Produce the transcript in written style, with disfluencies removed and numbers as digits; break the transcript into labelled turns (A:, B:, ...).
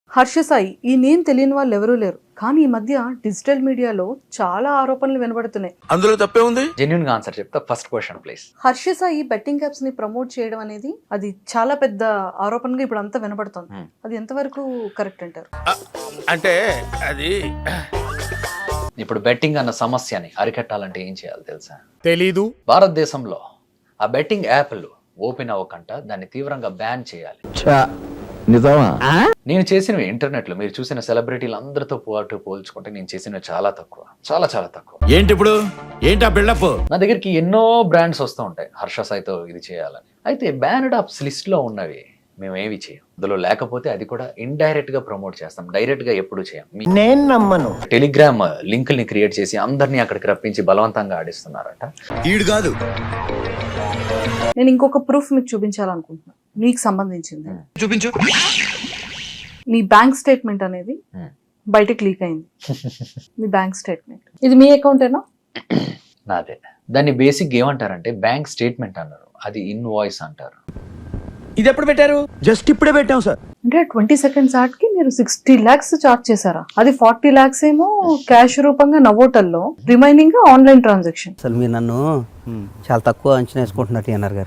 A: హర్ష సాయి ఈ నేమ్ తెలియని వాళ్ళు ఎవరూ లేరు, కానీ ఈ మధ్య డిజిటల్ మీడియాలో చాలా ఆరోపణలు వినబడుతున్నాయి.
B: అందులో తప్పే ఉంది.
C: జెన్యున్ గా ఆన్సర్ చెప్తా. First question please.
A: Harsha Sai betting apps ని ప్రమోట్ చేయడం అనేది అది చాలా పెద్ద ఆరోపణగా ఇప్పుడు అంతా వినబడుతుంది. అది ఎంతవరకు కరెక్ట్ అంటారు?
B: అంటే అది
C: ఇప్పుడు బెట్టింగ్ అన్న సమస్యని అరికట్టాలంటే ఏం చేయాలి తెలుసా?
D: తెలీదు.
C: భారతదేశంలో ఆ బెట్టింగ్ యాప్లు ఓపెన్ అవ్వకుండా దాన్ని తీవ్రంగా బ్యాన్ చేయాలి.
E: నిజమా?
C: నేను చేసినవి ఇంటర్నెట్ లో మీరు చూసిన సెలబ్రిటీలు అందరితో పోల్చుకుంటే నేను చేసినవి చాలా తక్కువ, చాలా చాలా తక్కువ.
B: ఏంటి ఇప్పుడు ఏంటి ఆ బిల్డప్?
C: నా దగ్గరికి ఎన్నో బ్రాండ్స్ వస్తూ ఉంటాయి హర్ష సాయితో ఇది చేయాలని. అయితే బ్యానడ్ ఆప్స్ లిస్ట్ లో ఉన్నవి మేము ఏవి చేయం. అందులో లేకపోతే అది కూడా ఇండైరెక్ట్ గా ప్రమోట్ చేస్తాం, డైరెక్ట్ గా ఎప్పుడు చేయం.
E: నేను నమ్మను.
C: టెలిగ్రామ్ లింకుల్ని క్రియేట్ చేసి అందరినీ అక్కడికి రప్పించి బలవంతంగా ఆడిస్తున్నారట.
B: ఈడు కాదు.
A: నేను ఇంకొక ప్రూఫ్ మీకు చూపించాలనుకుంటున్నాను, మీకు సంబంధించింది.
B: చూపించు.
A: మీ బ్యాంక్ స్టేట్మెంట్ అనేది బయటకు లీక్ అయింది. మీ బ్యాంక్ స్టేట్మెంట్ ఇది మీ అకౌంటేనా?
C: నాదే. దాన్ని బేసిక్ ఏమంటారంటే బ్యాంక్ స్టేట్మెంట్ అన్నారు, అది ఇన్వాయిస్ అంటారు.
E: ఇది ఎప్పుడు పెట్టారు? జస్ట్ ఇప్పుడే పెట్టాం సార్.
A: అంటే 20 seconds యాడ్ కి మీరు 60 lakhs చార్జ్ చేశారా? అది 40 lakhs ఏమో క్యాష్ రూపంగా నవోటల్లో, రిమైనింగ్ ఆన్లైన్ ట్రాన్సాక్షన్.
F: అసలు మీరు నన్ను చాలా తక్కువ అంచనా వేసుకుంటున్నట్టు అన్నారు గారు.